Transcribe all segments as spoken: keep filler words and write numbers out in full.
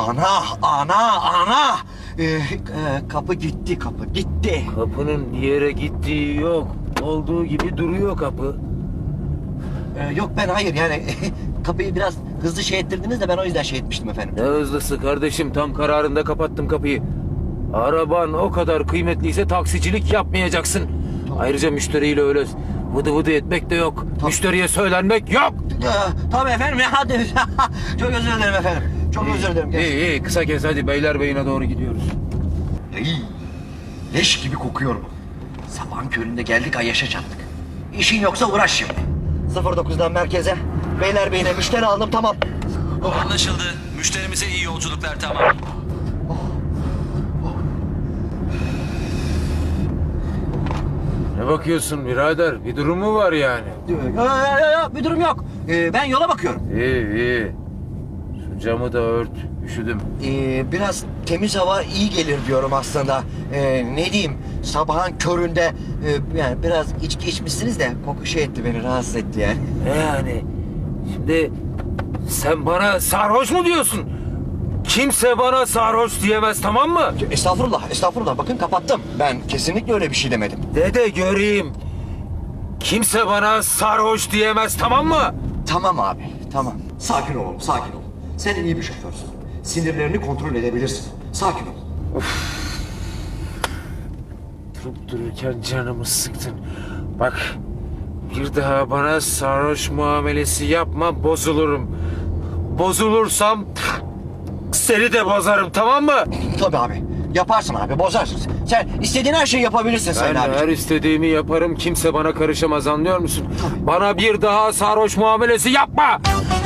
Ana, ana, ana! Ee, e, kapı gitti, kapı gitti. Kapının bir yere gittiği yok. Olduğu gibi duruyor kapı. Ee, yok ben hayır yani kapıyı biraz hızlı şey ettirdiniz de ben o yüzden şey etmiştim efendim. Ne hızlısı kardeşim, tam kararında kapattım kapıyı. Araban o kadar kıymetliyse taksicilik yapmayacaksın. Ayrıca müşteriyle öyle vıdı vıdı etmek de yok. Müşteriye söylenmek yok. Ee, tabii efendim ya hadi. Çok özür dilerim efendim. Çok özür dilerim. İyi iyi, kısa kes hadi, Beylerbeyi'ne doğru gidiyoruz. İyi. Leş gibi kokuyorum. Sabahın köründe geldik Ayyaş'a çattık. İşin yoksa uğraş şimdi. sıfır dokuzdan merkeze. Beylerbeyi'ne müşteri aldım tamam. Anlaşıldı. Müşterimize iyi yolculuklar, tamam. Ne bakıyorsun birader? Bir durum mu var yani? Yok yok bir durum yok. Ee, ben yola bakıyorum. İyi iyi. Şu camı da ört. Üşüdüm. Ee, biraz temiz hava iyi gelir diyorum aslında. Ee, ne diyeyim sabahın köründe e, yani biraz içki içmişsiniz de koku şey etti beni rahatsız etti yani. Ne yani? Şimdi sen bana sarhoş mu diyorsun? Kimse bana sarhoş diyemez, tamam mı? Estağfurullah estağfurullah bakın kapattım. Ben kesinlikle öyle bir şey demedim. De de göreyim. Kimse bana sarhoş diyemez, tamam mı? Tamam abi tamam. Sakin ol oğlum sakin ol. Sen iyi bir şoförsün. Sinirlerini kontrol edebilirsin. Sakin ol. Durup dururken canımı sıktın. Bak, bir daha bana sarhoş muamelesi yapma, bozulurum. Bozulursam seni de bozarım, tamam mı? Tabii abi. Yaparsın abi bozarsın. Sen istediğin her şeyi yapabilirsin Ben Sayın abi. her istediğimi yaparım, kimse bana karışamaz, anlıyor musun? Bana bir daha sarhoş muamelesi yapma!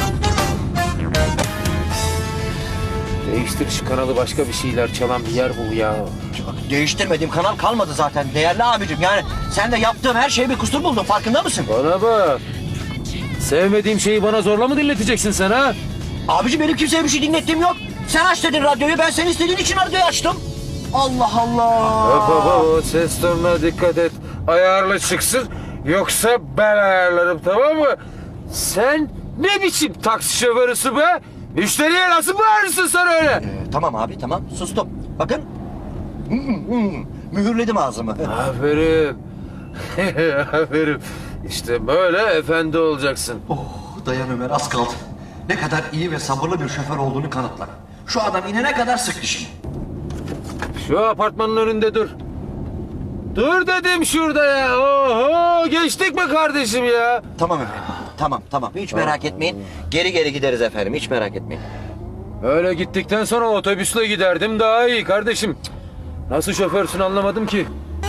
Değiştir şu kanalı, başka bir şeyler çalan bir yer bul ya. Değiştirmediğim kanal kalmadı zaten değerli abicim. Yani sen de yaptığım her şeye bir kusur buldun farkında mısın? Bana bak. Sevmediğim şeyi bana zorla mı dinleteceksin sen ha? Abicim benim kimseye bir şey dinlettiğim yok. Sen aç dedin radyoyu ben senin istediğin için radyoyu açtım. Allah Allah. Hop hop hop, o ses tonuna dikkat et. Ayarlı çıksın, yoksa ben ayarlarım, tamam mı? Sen ne biçim taksi şoförüsü be? Müşteriye nasıl bağırırsın sen öyle? Ee, tamam abi tamam sustum. Bakın. Hmm, hmm, mühürledim ağzımı. Aferin. Aferin. İşte böyle efendi olacaksın. Oh dayan Ömer az kaldı. Ne kadar iyi ve sabırlı bir şoför olduğunu kanıtla. Şu adam inene kadar sık dişini. Şu apartmanın önünde dur. Dur dedim şurada ya. Oho, geçtik mi kardeşim ya? Tamam efendim. Tamam tamam hiç merak etmeyin. Geri geri gideriz efendim hiç merak etmeyin. Öyle gittikten sonra otobüsle giderdim daha iyi kardeşim. Nasıl şoförsün anlamadım ki.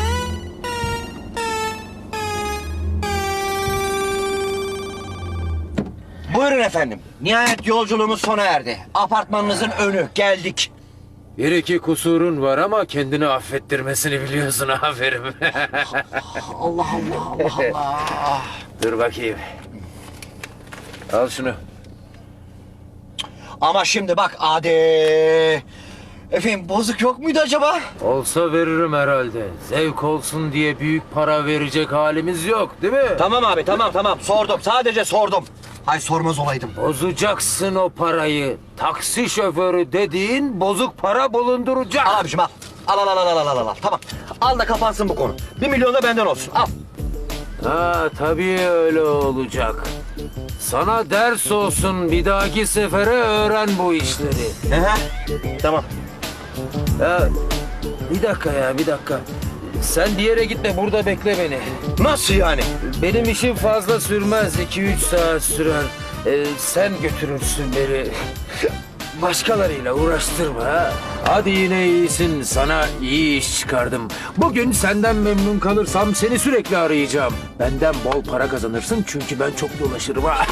Buyurun efendim. Nihayet yolculuğumuz sona erdi. Apartmanınızın önü geldik. Bir iki kusurun var ama kendini affettirmesini biliyorsun, aferin. Allah Allah Allah Allah. Dur bakayım. Al şunu. Ama şimdi bak Adi. Efendim bozuk yok muydu acaba? Olsa veririm herhalde. Zevk olsun diye büyük para verecek halimiz yok, değil mi? Tamam abi tamam tamam sordum sadece sordum. Hay sormaz olaydım. Bozacaksın o parayı. Taksi şoförü dediğin bozuk para bulunduracak. Al abiciğim al. Al al al al al al al. Tamam. Al da kapansın bu konu. Bir milyon da benden olsun. Al. Ha tabii öyle olacak. Sana ders olsun, bir dahaki sefere öğren bu işleri. Hı hı. Tamam. Ya bir dakika ya, bir dakika. Sen bir yere gitme, burada bekle beni. Nasıl yani? Benim işim fazla sürmez, iki üç saat sürer. Ee, sen götürürsün beni. Başkalarıyla uğraştırma ha. Hadi yine iyisin, sana iyi iş çıkardım. Bugün senden memnun kalırsam seni sürekli arayacağım. Benden bol para kazanırsın çünkü ben çok dolaşırım ha.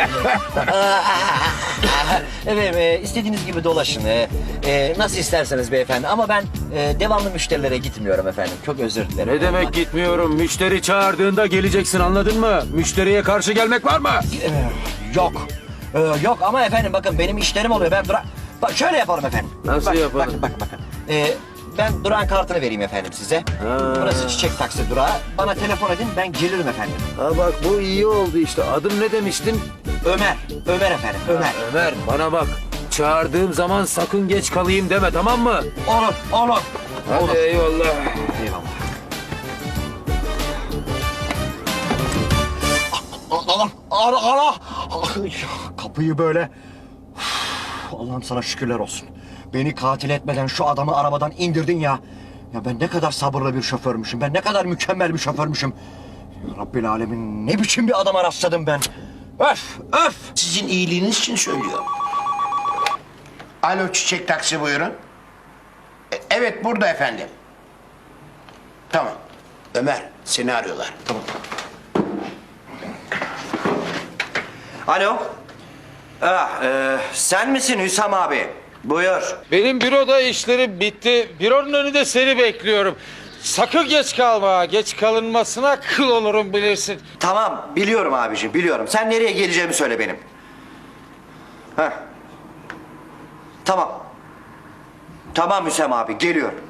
Evet e, istediğiniz gibi dolaşın. E, e, nasıl isterseniz beyefendi. Ama ben e, devamlı müşterilere gitmiyorum efendim. Çok özür dilerim. Ne demek gitmiyorum? Müşteri çağırdığında geleceksin, anladın mı? Müşteriye karşı gelmek var mı? E, yok. E, yok ama efendim bakın benim işlerim oluyor. Ben dura... Bak şöyle yapalım efendim. Nasıl Bak, yapalım? Bakın bakın bakın. E, ben durağın kartını vereyim efendim size. Ha. Burası çiçek taksi durağı. Bana telefon edin ben gelirim efendim. Ha bak, bu iyi oldu işte. Adım ne demiştin? Ömer. Ömer efendim. Ömer. Ömer, bana bak. çağırdığım zaman sakın geç kalayım deme, tamam mı? Olur, olur. Hadi Olur. eyvallah. Eyvallah. Allah'ım, ara, ara. Ay, kapıyı böyle... Uf, Allah'ım sana şükürler olsun. Beni katil etmeden şu adamı arabadan indirdin ya. Ya ben ne kadar sabırlı bir şoförmüşüm. Ben ne kadar mükemmel bir şoförmüşüm. Ya Rabbil Alemin, ne biçim bir adama rastladım ben. Öf, öf. Sizin iyiliğiniz için söylüyorum. Alo, çiçek taksi buyurun. E, evet, burada efendim. Tamam. Ömer, seni arıyorlar. Tamam. Alo. Ah, e, sen misin Hüsam abi? Buyur. Benim büroda işlerim bitti. Büronun önünde seni bekliyorum. Sakın geç kalma. Geç kalınmasına kıl olurum bilirsin. Tamam, biliyorum abiciğim, biliyorum. Sen nereye geleceğimi söyle benim. Heh. Tamam. Tamam Hüsam abi, geliyorum.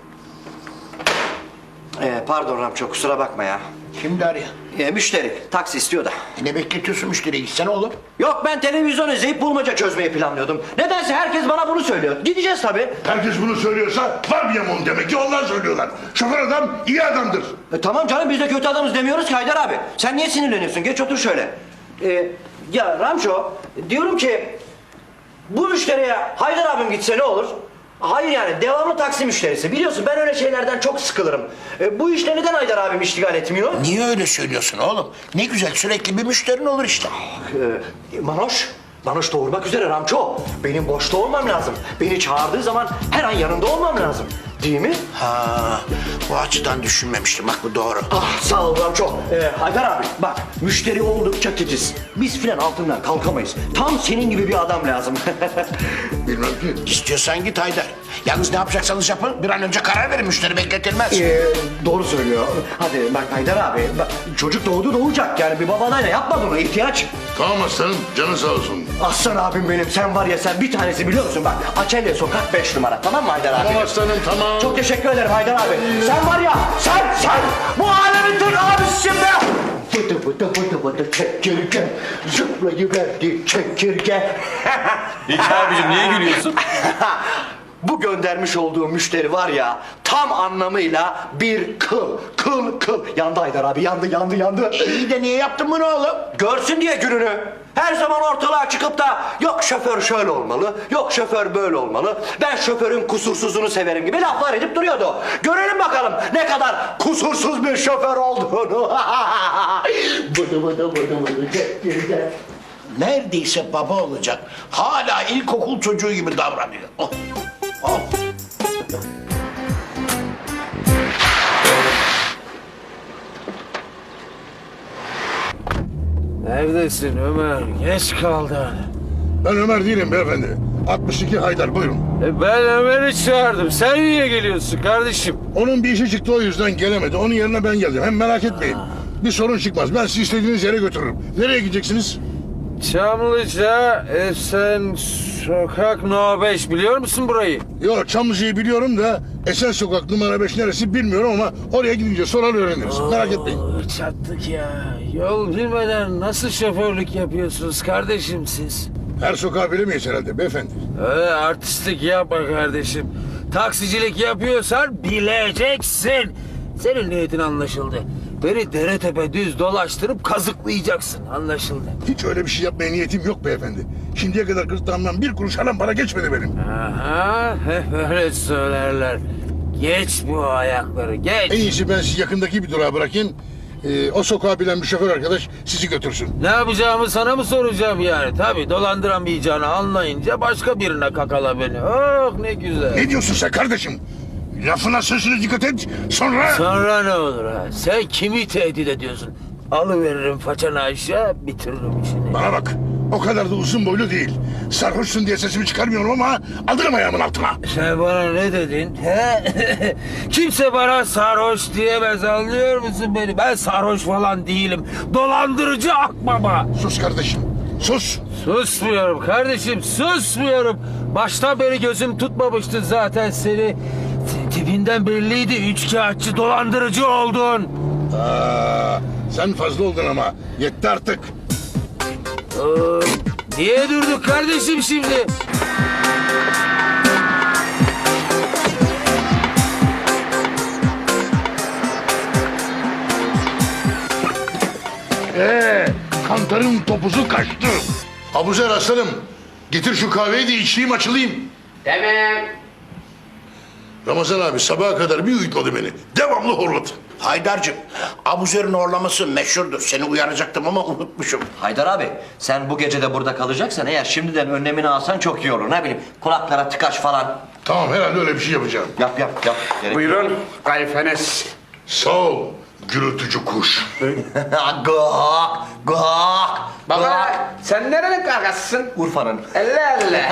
Ee, pardon Ramço, kusura bakma ya. Şimdi arıyor. Ee, müşteri, taksi istiyor da. E, ne bekletiyorsun müşteriyi? Gitsene oğlum. Yok, ben televizyon izleyip bulmaca çözmeyi planlıyordum. Nedense herkes bana bunu söylüyor. Gideceğiz tabii. Herkes bunu söylüyorsa var bir yamuğun demek ki onlar söylüyorlar. Şoför adam iyi adamdır. E, tamam canım, biz de kötü adamız demiyoruz ki Haydar abi. Sen niye sinirleniyorsun? Geç otur şöyle. Ee, ya Ramço, diyorum ki... Bu müşteriye Haydar abim gitse ne olur? Hayır yani, devamlı taksi müşterisi. Biliyorsun ben öyle şeylerden çok sıkılırım. E, bu işle neden Haydar abim iştigal etmiyor? Niye öyle söylüyorsun oğlum? Ne güzel, sürekli bir müşterin olur işte. Ee, Manoş, Manoş doğurmak üzere Ramço. Benim boşta olmam lazım. Beni çağırdığı zaman her an yanında olmam lazım. Değil mi? Ha, bu açıdan düşünmemiştim. Bak, bu doğru. Ah, sağ ol Ramço. Ee, Haydar abi bak, müşteri oldukça titiz. Biz filan altından kalkamayız. Tam senin gibi bir adam lazım. Bilmem ki. İstiyorsan git Haydar. Yalnız ne yapacaksanız yapın. Bir an önce karar verin. Müşteri bekletilmez. Ee, doğru söylüyor. Hadi bak Haydar abi, bak, çocuk doğdu doğacak yani, bir babanayla yapma bunu, ihtiyaç. Tamam aslanım, canın sağ olsun. Aslan abim benim, sen var ya, sen bir tanesi biliyor musun? Bak, Açelya sokak beş numara, tamam mı Haydar abi? Tamam aslanım, tamam. Çok teşekkür ederim Haydar abi. Sen var ya, sen, sen bu alemin tır abisisin be! Fıtı fıtı fıtı fıtı çekirge, zıplayıverdi çekirge. Hiç abicim niye gülüyorsun? Bu göndermiş olduğu müşteri var ya, tam anlamıyla bir kıl, kıl, kıl. Yandı Haydar abi, yandı, yandı, yandı. İyi de niye yaptın bunu oğlum? Görsün diye gününü. Her zaman ortalığa çıkıp da yok şoför şöyle olmalı, yok şoför böyle olmalı, ben şoförün kusursuzunu severim gibi laflar edip duruyordu. Görelim bakalım ne kadar kusursuz bir şoför olduğunu. Bıdı bıdı bıdı bıdı çekirge. Neredeyse baba olacak. Hala ilkokul çocuğu gibi davranıyor. Oh. Oh. Neredesin Ömer? Geç kaldın. Ben Ömer değilim beyefendi. altmış iki Haydar, buyurun. E ben Ömer'i çağırdım. Sen niye geliyorsun kardeşim? Onun bir işi çıktı, o yüzden gelemedi. Onun yerine ben geldim. Hem merak etmeyin. Bir sorun çıkmaz. Ben sizi istediğiniz yere götürürüm. Nereye gideceksiniz? Çamlıca, Esen Sokak No beş, biliyor musun burayı? Yok, Çamlıca'yı biliyorum da Esen Sokak numara beş neresi bilmiyorum ama oraya gidince sorar öğreniriz. Merak etmeyin. Oo, çattık ya. Yol bilmeden nasıl şoförlük yapıyorsunuz kardeşim siz? Her sokağı bilemeyiz herhalde beyefendi. Öyle artistlik yapma kardeşim. Taksicilik yapıyorsan bileceksin. Senin niyetin anlaşıldı. Beni dere tepe düz dolaştırıp kazıklayacaksın. Anlaşıldı. Hiç öyle bir şey yapmaya niyetim yok beyefendi. Şimdiye kadar gırtlağımdan bir kuruş alan para geçmedi benim. Aha, hep öyle söylerler. Geç bu ayakları, En geç. iyisi ben sizi yakındaki bir durağa bırakayım. Ee, o sokağı bilen bir şoför arkadaş sizi götürsün. Ne yapacağımı sana mı soracağım yani? Tabii dolandıramayacağını anlayınca başka birine kakala beni. Oh ne güzel. Ne diyorsun sen kardeşim? Lafına sözüne dikkat et. Sonra... Sonra ne olur ha? Sen kimi tehdit ediyorsun? Alıveririm façanı aşağı, bitiririm işini. Bana bak. O kadar da uzun boylu değil. Sarhoşsun diye sesimi çıkarmıyorum ama alırım ayağımın altına. Sen bana ne dedin? He? Kimse bana sarhoş diyemez, anlıyor musun beni? Ben sarhoş falan değilim. Dolandırıcı akbaba. Sus kardeşim. Sus. Susmuyorum kardeşim, susmuyorum. Baştan beri gözüm tutmamıştı zaten seni. Tipinden belliydi, üçkağıtçı, dolandırıcı oldun. Aa, sen fazla oldun ama. Yetti artık. Ee, niye durduk kardeşim şimdi? Mantarın topuzu kaçtı. Abuzer aslanım, getir şu kahveyi de içeyim açılayım. Tamam. Ramazan abi sabaha kadar bir uyutladı beni. Devamlı horladı. Haydar'cığım, Abuzer'in horlaması meşhurdur. Seni uyaracaktım ama unutmuşum. Haydar abi sen bu gece de burada kalacaksan eğer şimdiden önlemini alsan çok iyi olur. Ne bileyim kulaklara tıkaç falan. Tamam herhalde öyle bir şey yapacağım. Yap yap yap. Gerek- Buyurun, kayfeniz. Sağ ol gürültücü kuş. Gık gık. Baba, sen nerenin kargasısın? Urfa'nın. Elle elle.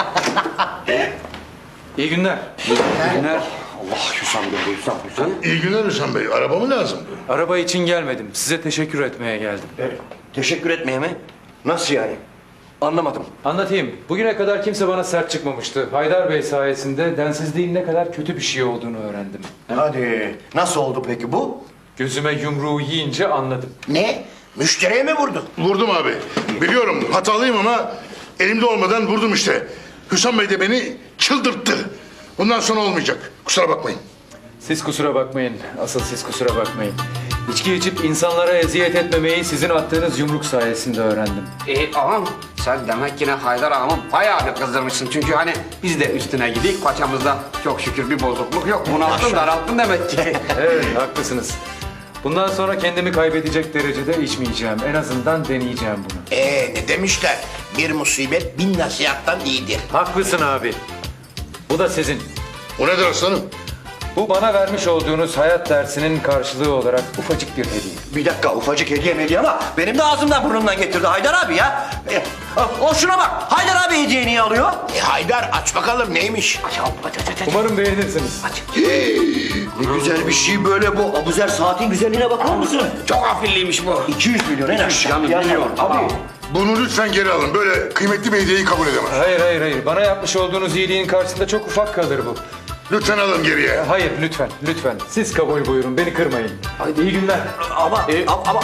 İyi günler. İyi günler. Allah Hüsam Bey, Hüsam, Hüsam. İyi günler Hüsam Bey. Araba mı lazım? Araba için gelmedim. Size teşekkür etmeye geldim. Teşekkür etmeye mi? Nasıl yani? Anlamadım. Anlatayım. Bugüne kadar kimse bana sert çıkmamıştı. Haydar Bey sayesinde densizliğin ne kadar kötü bir şey olduğunu öğrendim. Hadi. Nasıl oldu peki bu? Gözüme yumruğu yiyince anladım. Ne? Müşteriye mi vurdun? Vurdum abi. Biliyorum hatalıyım ama elimde olmadan vurdum işte. Hüsam Bey de beni çıldırttı. Bundan sonra olmayacak. Kusura bakmayın. Siz kusura bakmayın. Asıl siz kusura bakmayın. İçki içip insanlara eziyet etmemeyi sizin attığınız yumruk sayesinde öğrendim. E ağam sen demek yine Haydar ağamı bayağı bir kızdırmışsın. Çünkü hani biz de üstüne gidik paçamızda çok şükür bir bozukluk yok. Bunalttın daralttın demek ki. Evet, haklısınız. Bundan sonra kendimi kaybedecek derecede içmeyeceğim. En azından deneyeceğim bunu. Ee, ne demişler? Bir musibet bin nasihattan iyidir. Haklısın abi. Bu da sizin. O nedir aslanım? Bu bana vermiş olduğunuz hayat dersinin karşılığı olarak ufacık bir hediye. Bir dakika ufacık hediye mi hediye ama benim de ağzımdan burnumdan getirdi Haydar abi ya. E, o şuna bak Haydar abi hediye niye alıyor? E, Haydar aç bakalım neymiş? Aç aç aç aç. Umarım beğenirsiniz. Ne güzel bir şey böyle bu. Abuzer saatin güzelliğine bakar mısın? Çok afilliymiş bu. iki yüz milyon en aşağı. milyon. Abi. Bunu lütfen geri alın. Böyle kıymetli bir hediyeyi kabul edemem. Hayır hayır hayır. Bana yapmış olduğunuz iyiliğin karşısında çok ufak kalır bu. Lütfen alın geriye. Hayır lütfen lütfen. Siz kabul buyurun. Beni kırmayın. Hadi iyi günler. Ama ama ama.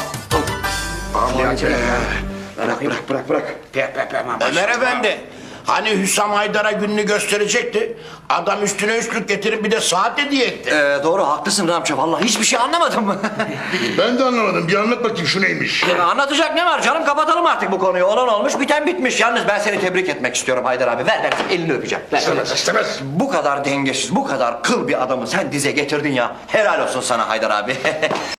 Bırak bırak bırak bırak. Pe pe pe mama. Ömer Efendi. Hani Hüsam Haydar'a gününü gösterecekti. Adam üstüne üstlük getirip bir de saat hediye etti. Ee, doğru haklısın Ramça. Vallahi hiçbir şey anlamadım. Ben de anlamadım. Bir anlat bakayım şu neymiş. Ya anlatacak ne var canım? Kapatalım artık bu konuyu. Olan olmuş, biten bitmiş. Yalnız ben seni tebrik etmek istiyorum Haydar abi. Ver ver, elini öpeceğim. Ver. İstemez istemez. Bu kadar dengesiz, bu kadar kıl bir adamı sen dize getirdin ya. Helal olsun sana Haydar abi.